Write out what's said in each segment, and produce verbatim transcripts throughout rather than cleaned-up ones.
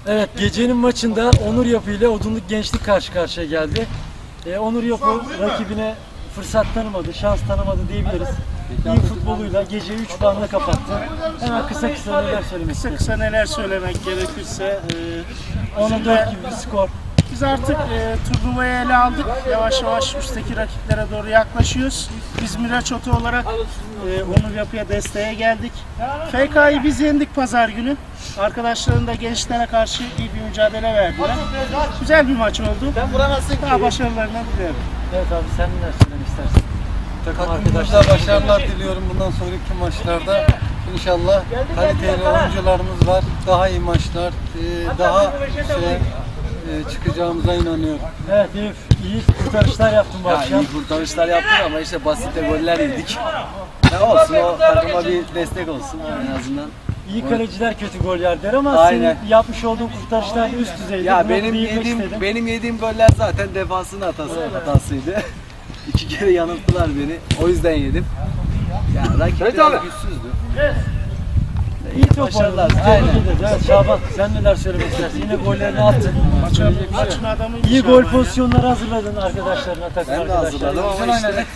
Evet, gecenin maçında Onur Yapı ile Odunluk Gençlik karşı karşıya geldi. Ee, Onur Yapı rakibine fırsat tanımadı, şans tanımadı diyebiliriz. İyi futboluyla geceyi üç puanla kapattı. Hemen kısa kısa neler söylemek Kısa istedim. kısa neler söylemek gerekirse e, ona dört gibi bir skor. biz artık e, turnuvayı ele aldık. Yavaş yavaş üstteki rakiplere doğru yaklaşıyoruz. Biz Miraç Oto olarak e, Onur Yapı'ya desteğe geldik. F K'yı biz yendik pazar günü. Arkadaşların da gençlere karşı iyi bir mücadele verdiler. Güzel bir maç oldu. Daha başarılarını diliyorum. Evet abi, sen neler söylemek istersin? Takımımıza başarılar diliyorum bundan sonraki maçlarda. İnşallah kaliteli oyuncularımız var. Daha iyi maçlar, e, daha şey, e, çıkacağımıza inanıyorum. Evet Eyüp, iyi kurtarışlar yaptın bu Ya akşam. iyi kurtarışlar yaptık ama işte basit de goller yedik. Ne olsun, o takıma bir destek olsun en azından. İyi kaleciler kötü gol yer der ama Aynen. senin yapmış olduğun kurtarışlar üst düzeydi. Ya Bunu benim değinmek yediğim istedim. benim yediğim goller zaten defansın hatası hatasıydı. İki kere yanılttılar beni. O yüzden yedim. Ya rakip biraz güçsüzdü. İyi top Başarılar. oynadı. Aynen. Tebrik ederiz. Evet Şaban, sen neler söylemek istersin? Yine gollerini attın. Maçın, maçın adamı İyi gol pozisyonları hazırladın arkadaşlarına, takım Ben de arkadaşlarına. hazırladım ama işte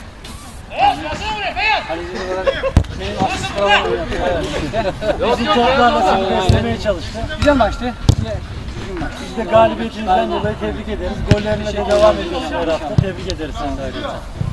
Bizim toplarla seni beslemeye çalıştı. Güzel maçtı. Biz de galibiyetinizden dolayı tebrik ederiz. Gollerine de devam ediyorsun her hafta. Tebrik ederiz seni de ayrıca.